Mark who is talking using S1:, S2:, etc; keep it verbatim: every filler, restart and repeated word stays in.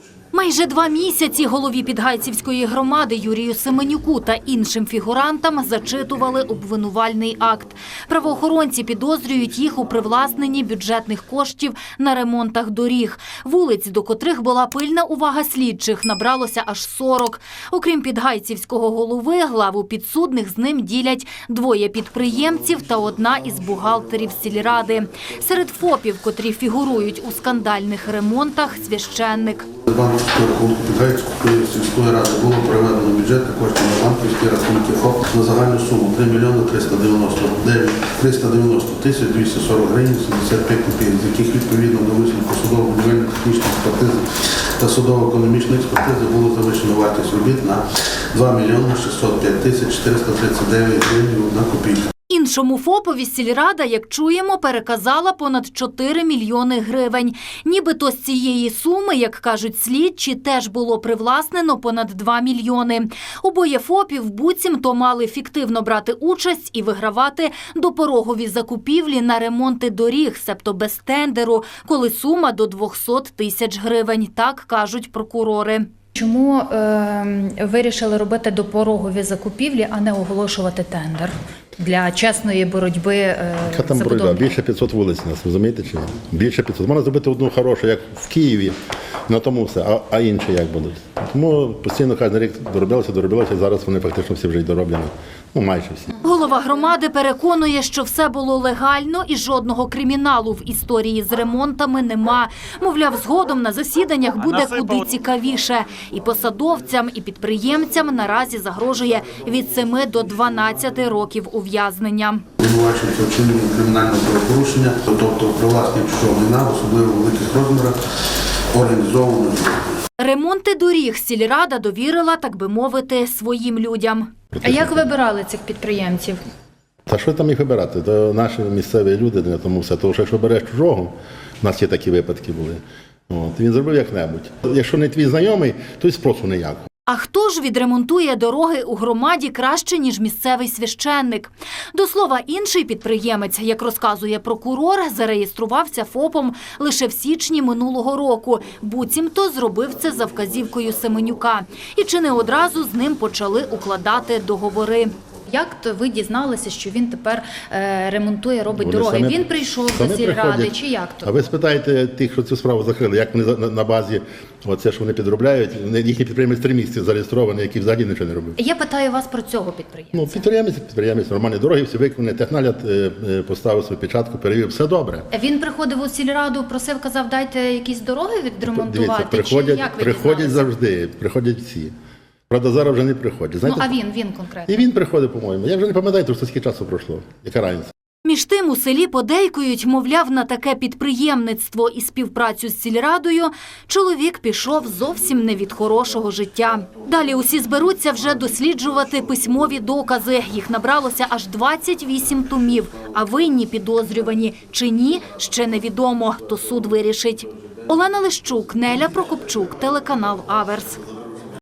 S1: Майже два місяці голові Підгайцівської громади Юрію Семенюку та іншим фігурантам зачитували обвинувальний акт. Правоохоронці підозрюють їх у привласненні бюджетних коштів на ремонтах доріг. Вулиць, до котрих була пильна увага слідчих, набралося аж сорок. Окрім Підгайцівського голови, главу підсудних з ним ділять двоє підприємців та одна із бухгалтерів сільради. Серед ФОПів, котрі фігурують у скандальних ремонтах, священник.
S2: Банківського рахунку Підгайцівської сільської ради було переведено бюджетні кошти на банківські рахунки ФОП на загальну суму три мільйони триста дев'яносто тисяч двісті сорок гривень сімдесят п'ять копійок, з яких відповідно до висновку судово-будівельно-технічної експертизи та судово-економічної експертизи було завищено вартість робіт на два мільйони шістсот п'ять тисяч чотириста тридцять дев'ять гривень і одна копійка.
S1: Іншому ФОПові сільрада, як чуємо, переказала понад чотири мільйони гривень. Нібито з цієї суми, як кажуть слідчі, теж було привласнено понад два мільйони. Обоє ФОПів буцімто мали фіктивно брати участь і вигравати допорогові закупівлі на ремонти доріг, себто без тендеру, коли сума до двохсот тисяч гривень, так кажуть прокурори.
S3: Чому е, вирішили робити допорогові закупівлі, а не оголошувати тендер для чесної боротьби е,
S4: Яка там боротьба? Більше п'ятсот вулиць у нас, розумієте чи ні? Більше п'ятсот. Можна зробити одну хорошу, як в Києві, на тому все, а, а інші як будуть. Тому постійно кожен рік доробилося, доробилося, зараз вони фактично всі вже й дороблені. Ну, майже всі.
S1: Голова громади переконує, що все було легально і жодного криміналу в історії з ремонтами нема. Мовляв, згодом на засіданнях буде куди цікавіше. І посадовцям, і підприємцям наразі загрожує від семи до дванадцяти років ув'язнення.
S2: Обвинувачується вчинення кримінального правопорушення, тобто привласнення чужого майна, в особливо великих розмірах, організованого.
S1: Ремонти доріг сільрада довірила, так би мовити, своїм людям.
S3: А як вибирали цих підприємців?
S4: Та що там їх вибирати? То наші місцеві люди, на тому все. Тому що якщо береш чужого, у нас є такі випадки були, от, він зробив як-небудь. Якщо не твій знайомий, то й спросу ніякого.
S1: А хто ж відремонтує дороги у громаді краще, ніж місцевий священник? До слова, інший підприємець, як розказує прокурор, зареєструвався ФОПом лише в січні минулого року. Буцімто зробив це за вказівкою Семенюка. І чи не одразу з ним почали укладати договори.
S3: Як то ви дізналися, що він тепер е, ремонтує, робить
S4: Вони
S3: дороги?
S4: самі-
S3: Він прийшов до
S4: самі
S3: сільради,
S4: приходять.
S3: чи як то?
S4: А ви спитаєте тих, що цю справу закрили, як вони на, на базі, оце, що вони підробляють, їхній підприємець три місяці зареєстрований, який взагалі нічого не робив.
S3: Я питаю вас про цього підприємця.
S4: Ну, підприємець, підприємець, нормальні дороги, всі виконані, технагляд е, е, поставив свою печатку, перевів, все добре.
S3: Він приходив у сільраду, просив, казав, дайте якісь дороги відремонтувати?
S4: Дивіться, приходять,
S3: чи як ви
S4: приходять
S3: дізналися?
S4: завжди, приходять всі. Правда, зараз вже не приходять.
S3: Ну,
S4: Знаєте,
S3: а він, він конкретно?
S4: і він приходить, по-моєму. Я вже не пам'ятаю, тому що скільки часу пройшло. Яка разниця?
S1: Між тим у селі подейкують, мовляв, на таке підприємництво і співпрацю з сільрадою чоловік пішов зовсім не від хорошого життя. Далі усі зберуться вже досліджувати письмові докази. Їх набралося аж двадцять вісім томів. А винні підозрювані чи ні, ще невідомо, то суд вирішить. Олена Лищук, Неля Прокопчук, телеканал Аверс.